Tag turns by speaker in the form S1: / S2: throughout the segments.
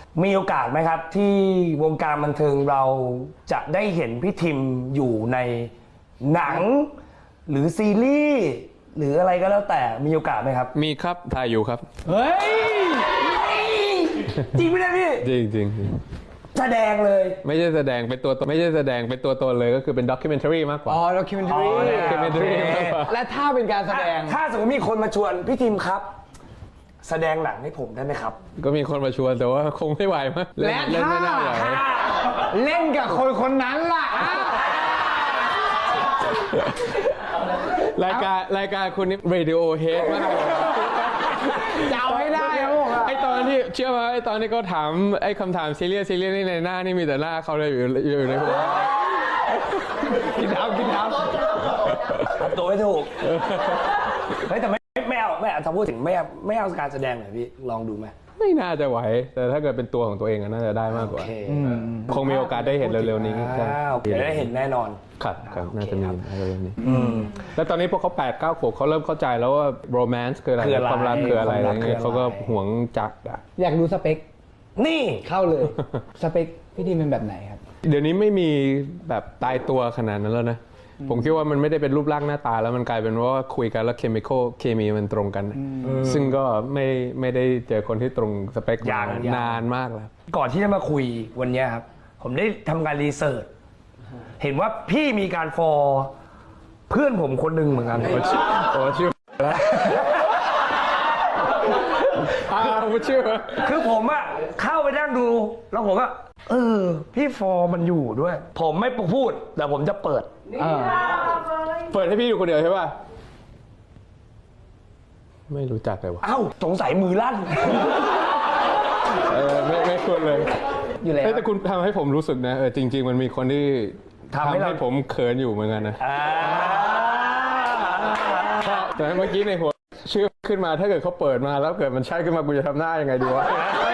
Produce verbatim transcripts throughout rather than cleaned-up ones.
S1: มีโอกาสไหมครับที่วงการบันเทิงเราจะได้เห็นพี่ทิมอยู่ในหนังหรือซีรีส์หรืออะไรก็แล้วแต่มีโอกาสไหมครับ
S2: มีครับถ่ายอยู่ครับ
S1: เฮ้ยจริงไหมเนี่ยพี่
S2: จริงจริง
S1: แสดงเลย
S2: ไม่ใช่แสดงเป็นตัวตนไม่ใช่แสดงเป็นตัวตนเลยก็คือเป็นด็อกิเมนทารีมากกว่า
S3: อ๋อด็อกิเมนทารี
S2: ด็อกิเมนทารีมากกว่า
S3: และถ้าเป็นการแสดง
S1: ถ้าสมมติมีคนมาชวนพี่ทิมครับแสดงหนังให้ผมได้ไหมครับ
S2: ก็มีคนมาชวนแต่ว่าคงไม่ไหวมั้ง
S3: และถ้าเล่นกับคนคนนั้นล่ะ
S2: รายการรายการคุณนี่ Radiohead มาก
S3: จะเอาให้ได้ครับผม
S2: ไอตอนที่เชื่อไหมไอตอนที่เขาถามไอคำถามซีเรียสซีเรียสนี่ในหน้านี่มีแต่หน้าเขาเลยอยู่อยู่ในหัว
S3: กินน้ำกินน้
S1: ำตัวไม่ถูกเฮ้ยแต่ไม่ไม่เอาไม่เอาถ้าพูดถึงไม่เอาไม่เอาการแสดงหน่อยพี่ลองดูไหม
S2: ไม่น่าจะไหวแต่ถ้าเกิดเป็นตัวของตัวเองน่าจะได้มากกว่าคงมีโอกาสได้เห็นเร็วๆนี้
S1: เดี๋ยวได้เห็นแน่นอน
S2: ครับครับน่าจะมีเร็วๆนี้แล้วตอนนี้พวกเขาแปดเก้าขวบเขาเริ่มเข้าใจแล้วว่าโรแมนต์คืออะไรความรักคืออะไรอะไรเงี้ยเขาก็หวงจักอ่ะ
S3: อยากดูสเปค
S1: นี่
S3: เข้าเลยสเปคพี่ทีมเป็นแบบไหนครับ
S2: เดี๋ยวนี้ไม่มีแบบตายตัวขนาดนั้นแล้วนะผมคิดว่ามันไม่ได้เป็นรูปร่างหน้าตาแล้วมันกลายเป็นว่าคุยกันแล้วเคมีคอลเคมีมันตรงกันซึ่งก็ไม่ไม่ได้เจอคนที่ตรงสเปคอย่างนานมากแล้ว
S1: ก่อนที่จะมาคุยวันนี้ครับผมได้ทำการรีเสิร์ชเห็นว่าพี่มีการฟอร์เพื่อนผมคนหนึ่งเหมือนกัน
S2: โอ้ชื่อโอ้ชื่อแล้วอ้าวชื่อ
S1: คือผมอะเข้าไปนั่งดูแล้วผมอะเออพี่ฟอร์มันอยู่ด้วยผมไม่พูดแต่ผมจะเปิด
S2: เปิดให้พี่อยู่คนเดียวใช่ป่ะไม่รู้จักเลยว่ะ
S1: เอ้าสงสัยมือลั่น
S2: เออไม่ไม่ควรเลย
S3: อยู่แล้ว
S2: แต่คุณทำให้ผมรู้สึกนะเออจริงๆมันมีคนที่ทำให้ผมเขินอยู่เหมือนกันนะแต่เมื่อกี้ในหัวชื่อขึ้นมาถ้าเกิดเขาเปิดมาแล้วเกิดมันใช่ขึ้นมากูจะทำหน้ายังไงดีวะ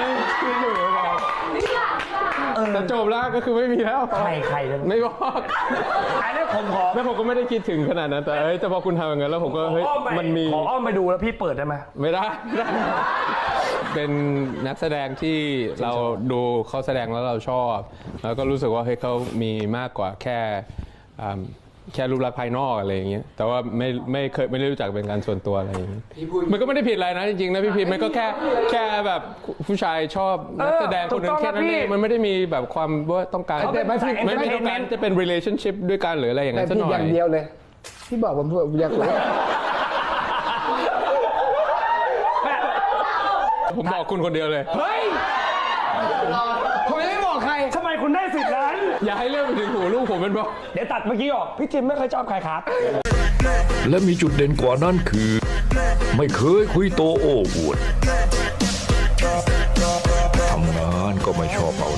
S2: แต่จบแล้วก็คือไม่มีแล้ว
S1: ใครใคร
S2: ไม่บอก
S1: อันนี้ผมขอ
S2: แล้วผมก็ไม่ได้คิดถึงขนาดนั้นแต่เฮ้ยแต่พอคุณทำอย่างนั้นแล้วผมก็เฮ้ยมันมี
S1: ขออ้อมไปดูแล้วพี่เปิดได้ไหม
S2: ไม่ได้เป็นนักแสดงที่เราดูเขาแสดงแล้วเราชอบแล้วก็รู้สึกว่าเฮ้ยเขามีมากกว่าแค่แค่รูปลักษณ์ภายนอกอะไรอย่างเงี้ยแต่ว่าไม่ไม่เคยไม่ได้รู้จักเป็นการส่วนตัวอะไรอย่างเงี้ยมันก็ไม่ได้ผิดอะไรนะจริงๆนะพี่พิมมันก็แค่แค่แบบผู้ชายชอบนักแสดงคนนึงแค่นั้นเองมันไม่ได้มีแบบความว่าต้องการ
S3: แต่ไม่
S2: ไม่ไม่ต้องการจะเป็น relationship ด้วยกันหรืออะไรอย่างเงี้ยสักหน่อย
S3: อย่างเดียวเลยที่บอกผมผมอยากรู้
S2: ผมบอกคุณคนเดียวเลย
S1: เฮ้ย
S3: ผมไม่บอกใคร
S1: ทำไมคุณได้สิทธิ์นั้น
S2: อย่าให้เรื่องไปถึงหูลูกผมเป็นบอก
S1: เดี๋ยวตัดเมื่อกี้ออกพี่ทิมไม่เคยชอบใครครับ
S4: และมีจุดเด่นกว่านั้นคือไม่เคยคุยโตโอ้อวดทำงานก็ไม่ชอบเอา